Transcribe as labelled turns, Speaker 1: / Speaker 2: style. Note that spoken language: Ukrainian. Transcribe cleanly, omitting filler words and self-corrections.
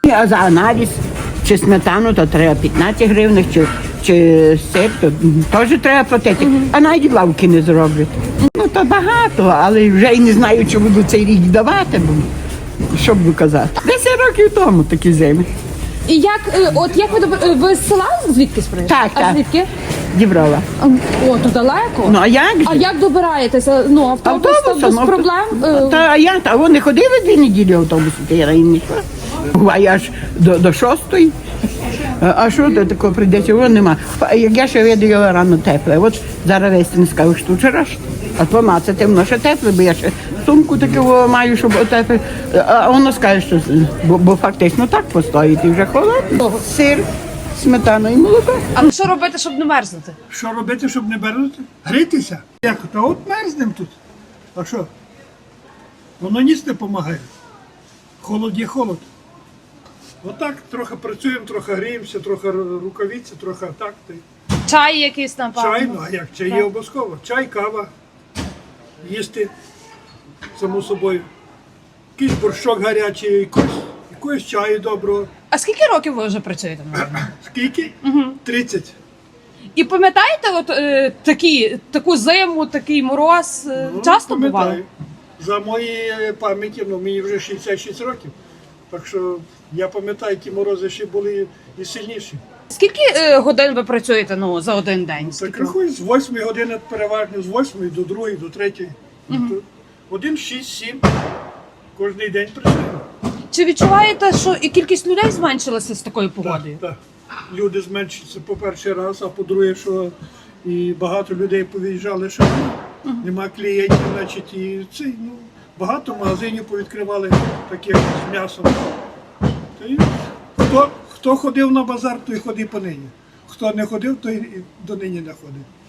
Speaker 1: А за аналіз чи сметану, то треба 15 гривень, чи сир, то теж треба платити. А навіть лавки не зроблять. Ну то багато, але вже й не знаю, чи буду цей рік давати, бо що буду казати. 10 років тому такі зими.
Speaker 2: І як ви з села звідки приїжджаєте?
Speaker 1: Так,
Speaker 2: А
Speaker 1: так.
Speaker 2: звідки?
Speaker 1: Діброва.
Speaker 2: О, то далеко.
Speaker 1: Ну а як же?
Speaker 2: А як добираєтеся? Ну, автобус там без проблем?
Speaker 1: Та а я, та вони ходили 2 неділі автобуси, то я їм не йшла. А я ж до 6-ї. А що до такого прийдеться? Воно нема. Як я ще видаю рано тепле. От зараз весь не скажу, що вчорашнє. А помацати воно ще тепле, бо я ще сумку таку маю, щоб отепле. А воно скаже, що бо фактично так постоїть і вже холодно. Сир, сметана і молоко.
Speaker 2: А що робити, щоб не мерзнути?
Speaker 3: Що робити, щоб не мерзнути? Грітися. Як? Та от мерзнемо тут. А що? Воно ніс не допомагає. Холод є холод. Отак трохи працюємо, трохи гріємося, трохи рукавиці, трохи так.
Speaker 2: Чай якийсь, напевно.
Speaker 3: Чай, ну а як? Чай є обов'язково. Чай, кава, їсти, само собою. Якийсь борщок гарячий, якогось чаю доброго.
Speaker 2: А скільки років ви вже працюєте?
Speaker 3: Скільки? 30.
Speaker 2: І пам'ятаєте, таку зиму, такий мороз часто
Speaker 3: Пам'ятаю.
Speaker 2: бували?
Speaker 3: За моєю пам'яті, мені вже 66 років. Так що я пам'ятаю, ті морози ще були і сильніші.
Speaker 2: Скільки годин ви працюєте за один день?
Speaker 3: Так рахую, з 8 години переважно, з 8 до 2, до 3. Один, 6, 7. Кожний день працюємо.
Speaker 2: Чи відчуваєте, що і кількість людей зменшилася з такою погодою?
Speaker 3: Так. Люди зменшуються по перший раз, а по-друге, що і багато людей повиїжджали, що нема клієнтів, значить, і багато магазинів повідкривали таких з м'ясом. Та й хто ходив на базар, той ходив по нині. Хто не ходив, той і до нині не ходить.